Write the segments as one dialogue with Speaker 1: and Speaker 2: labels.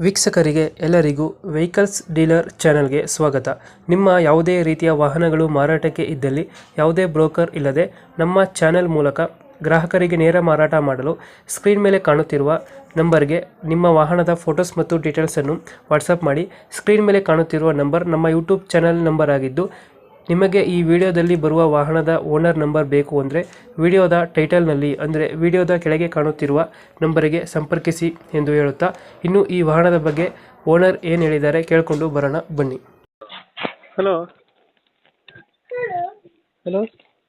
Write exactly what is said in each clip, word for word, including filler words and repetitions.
Speaker 1: ವೀಕ್ಷಕರಿಗೆ ಎಲ್ಲರಿಗೂ vehicles dealer ಚಾನೆಲ್ಗೆ ಸ್ವಾಗತ. ನಿಮ್ಮ ಯಾವುದೇ ರೀತಿಯ ವಾಹನಗಳು ಮಾರಾಟಕ್ಕೆ ಇದ್ದಲ್ಲಿ ಯಾವುದೇ ಬ್ರೋಕರ್ ಇಲ್ಲದೆ ನಮ್ಮ ಚಾನೆಲ್ ಮೂಲಕ ಗ್ರಾಹಕರಿಗೆ ನೇರ ಮಾರಾಟ ಮಾಡಲು ಸ್ಕ್ರೀನ್ ಮೇಲೆ ಕಾಣುತ್ತಿರುವ ನಂಬರ್ಗೆ ನಿಮ್ಮ ವಾಹನದ ಫೋಟೋಸ್ ಮತ್ತು ಡೀಟೇಲ್ಸನ್ನು ವಾಟ್ಸಪ್ ಮಾಡಿ. ಸ್ಕ್ರೀನ್ ಮೇಲೆ ಕಾಣುತ್ತಿರುವ ನಂಬರ್ ನಮ್ಮ ಯೂಟ್ಯೂಬ್ ಚಾನೆಲ್ ನಂಬರ್ ಆಗಿದ್ದು, ನಿಮಗೆ ಈ ವಿಡಿಯೋದಲ್ಲಿ ಬರುವ ವಾಹನದ ಓನರ್ ನಂಬರ್ ಬೇಕು ಅಂದರೆ ವಿಡಿಯೋದ ಟೈಟಲ್ನಲ್ಲಿ ಅಂದರೆ ವಿಡಿಯೋದ ಕೆಳಗೆ ಕಾಣುತ್ತಿರುವ ನಂಬರಿಗೆ ಸಂಪರ್ಕಿಸಿ ಎಂದು ಹೇಳುತ್ತಾ, ಇನ್ನು ಈ ವಾಹನದ ಬಗ್ಗೆ ಓನರ್ ಏನು ಹೇಳಿದ್ದಾರೆ ಕೇಳಿಕೊಂಡು ಬರೋಣ ಬನ್ನಿ. ಹಲೋ ಹಲೋ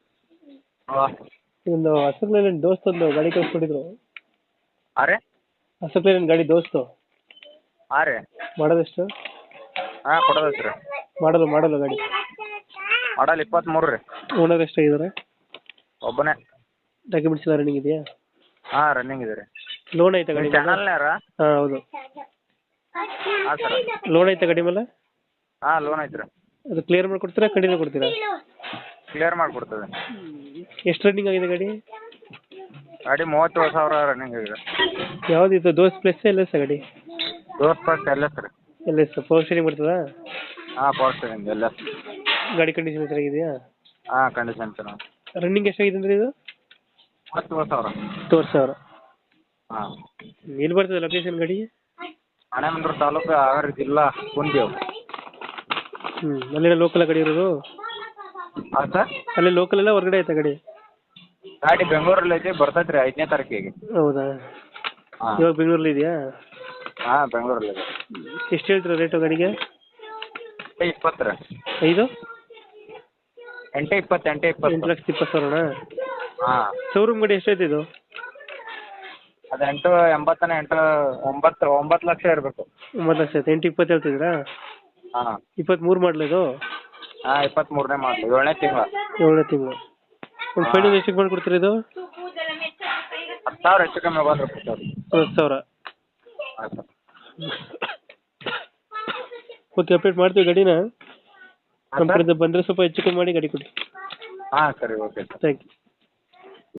Speaker 1: ಒಂದು ಹಸಕ್ಲೇನ್ ದೋಸ್ತ್ ಒಂದು ಗಾಡಿ ಕಳ್ಸ್ಕೊಟ್ಟಿದ್ರು.
Speaker 2: ಅರೆ
Speaker 1: ಹಸಕ್ಲೇನ್ ಗಾಡಿ ದೋಸ್ತು
Speaker 2: ಅರೆ
Speaker 1: ಮಾಡೋದೆಷ್ಟು?
Speaker 2: ಹಾಂ ಕೊಡೋದೈತೆ ರೀ.
Speaker 1: ಮಾಡಲು ಮಾಡಲು ಗಾಡಿ
Speaker 2: ಮಾಡಲ್ ಇಪ್ಪತ್ತ್ಮೂರು ರೀ.
Speaker 1: ಓನರ್ ಎಷ್ಟಾಗಿದ್ದಾರೆ?
Speaker 2: ಒಬ್ಬನೇ.
Speaker 1: ಡಾಕ್ಯುಮೆಂಟ್ಸ್ ಎಲ್ಲ ರನ್ನಿಂಗ್ ಇದೆಯಾ?
Speaker 2: ಹಾಂ ರನ್ನಿಂಗ್ ಇದೆ ರೀ.
Speaker 1: ಲೋನ್ ಐತೆ ಗಾಡಿ?
Speaker 2: ಚಾನಲ್ನ್ಯಾರ?
Speaker 1: ಹಾಂ ಹೌದು.
Speaker 2: ಹಾಂ ಸರ್.
Speaker 1: ಲೋನ್ ಐತೆ ಗಾಡಿ ಮೇಲೆ?
Speaker 2: ಹಾಂ ಲೋನ್ ಐತೆ ರೀ.
Speaker 1: ಅದು ಕ್ಲಿಯರ್ ಮಾಡಿ ಕೊಡ್ತೀರಾ ಕಡಿಮೆ ಕೊಡ್ತೀರಾ?
Speaker 2: ಕ್ಲಿಯರ್ ಮಾಡಿಕೊಡ್ತದೆ.
Speaker 1: ಎಷ್ಟು ರನ್ನಿಂಗ್ ಆಗಿದೆ ಗಾಡಿ?
Speaker 2: ಗಾಡಿ ಮೂವತ್ತೇಳು ಸಾವಿರ ರನ್ನಿಂಗ್ ಇದೆ.
Speaker 1: ಯಾವುದಿತ್ತು ದೋಸ್ತ್ ಪ್ಲಸ್ ಎಲ್ ಎಸ್ ಗಾಡಿ?
Speaker 2: ದೋಸ್ತ್ ಫಸ್ಟ್ ಎಲ್ ಎಸ್ ರೀ.
Speaker 1: ಎಲ್ ಎಸ್ ಪವರ್ ಸ್ಟೇರಿಂಗ್ ಬರ್ತದಾ?
Speaker 2: ಹಾಂ ಪವರ್ ಸ್ಟೇರಿಂಗ್ ಎಲ್ ಎಸ್.
Speaker 1: ಗಾಡಿ ಕಂಡೀಷನ್ ಚೆನ್ನಾಗಿದೆಯಾ?
Speaker 2: ಹಾಂ ಕಂಡೀಷನ್ ಚೆನ್ನಾಗಿ.
Speaker 1: ರನ್ನಿಂಗ್ ಎಷ್ಟಾಗಿದೆ ಅಂದರೆ ಇದು?
Speaker 2: ಮೂವತ್ತೇಳು ಸಾವಿರ.
Speaker 1: ಮೂವತ್ತು ಸಾವಿರ.
Speaker 2: ಹಾಂ.
Speaker 1: ಎಲ್ಲಿ ಬರ್ತದೆ ಲೊಕೇಶನ್ ಗಾಡಿ?
Speaker 2: ರಾಣೆಬೆನ್ನೂರು ತಾಲೂಕು, ಹಾವೇರಿ ಜಿಲ್ಲಾ, ಕುಂದೇವು.
Speaker 1: ಹ್ಞೂ ಅಲ್ಲೇ ಲೋಕಲ್ ಗಾಡಿ ಇರೋದು?
Speaker 2: ಹಾಂ ಸರ್.
Speaker 1: ಅಲ್ಲೇ ಲೋಕಲ್ ಎಲ್ಲ ಹೊರಗಡೆ ಐತೆ ಗಾಡಿ?
Speaker 2: ಗಾಡಿ ಬೆಂಗಳೂರಲ್ಲಿ ಐತಿ, ಬರ್ತೈತೆ ರೀ ಐದನೇ ತಾರೀಕಿಗೆ.
Speaker 1: ಹೌದಾ?
Speaker 2: ಹಾಂ
Speaker 1: ಇವಾಗ ಬೆಂಗಳೂರಲ್ಲಿ ಇದೆಯಾ?
Speaker 2: ಹಾಂ ಬೆಂಗಳೂರಲ್ಲಿ ಇದೆ.
Speaker 1: ಎಷ್ಟು ಹೇಳ್ತೀರಾ ರೇಟು ಗಾಡಿಗೆ?
Speaker 2: ಎಂಟು ಇಪ್ಪತ್ತು ರೀ.
Speaker 1: ಐದು
Speaker 2: ಎಂಟು ಇಪ್ಪತ್ತು ಎಂಟು
Speaker 1: ಎಂಟು
Speaker 2: ಇಪ್ಪತ್ತು.
Speaker 1: ಲಕ್ಷದ ಇಪ್ಪತ್ತು ಸಾವಿರನಾ?
Speaker 2: ಹಾಂ.
Speaker 1: ಶೋರೂಮ್ ಗಾಡಿ ಎಷ್ಟೈತೆ ಇದು?
Speaker 2: ಅದು ಎಂಟು ಎಂಬತ್ತನ ಎಂಟು ಒಂಬತ್ತು ಒಂಬತ್ತು ಲಕ್ಷ ಇರಬೇಕು.
Speaker 1: ಒಂಬತ್ತು ಲಕ್ಷ ಐತೆ. ಎಂಟು ಇಪ್ಪತ್ತು ಹೇಳ್ತಿದ್ದೀರಾ?
Speaker 2: ಹಾಂ.
Speaker 1: ಇಪ್ಪತ್ತ್ಮೂರು ಮಾಡಲ ಇದು?
Speaker 2: ಹಾಂ ಇಪ್ಪತ್ತ್ಮೂರನೇ ಮಾಡಲಿ, ಏಳನೇ ತಿಂಗಳು.
Speaker 1: ಏಳನೇ ತಿಂಗಳು. ಒಂದು ಫೈನಲ್ ಎಷ್ಟಕ್ಕೆ ಮಾಡಿ ಕೊಡ್ತೀರಾ ಇದು?
Speaker 2: ಹತ್ತು ಸಾವಿರ ಹೆಚ್ಚು ಕಮ್ಮಿ ಬಂದ್ರೆ ಕೊಡ್ತಾರೆ.
Speaker 1: ಹತ್ತು ಸಾವಿರ.
Speaker 2: ಹಾಂ ಸರ್.
Speaker 1: ಓಕೆ ಅಪ್ಡೇಟ್ ಮಾಡ್ತೀವಿ ಗಾಡಿನ. ನಮ್ಮ ಕಡೆಯಿಂದ ಬಂದರೆ ಸ್ವಲ್ಪ ಹೆಚ್ಚು ಕಮ್ಮಿ ಮಾಡಿ ಗಾಡಿ ಕೊಡಿ.
Speaker 2: ಹಾಂ ಸರಿ ಓಕೆ ಸರ್.
Speaker 1: Thank you.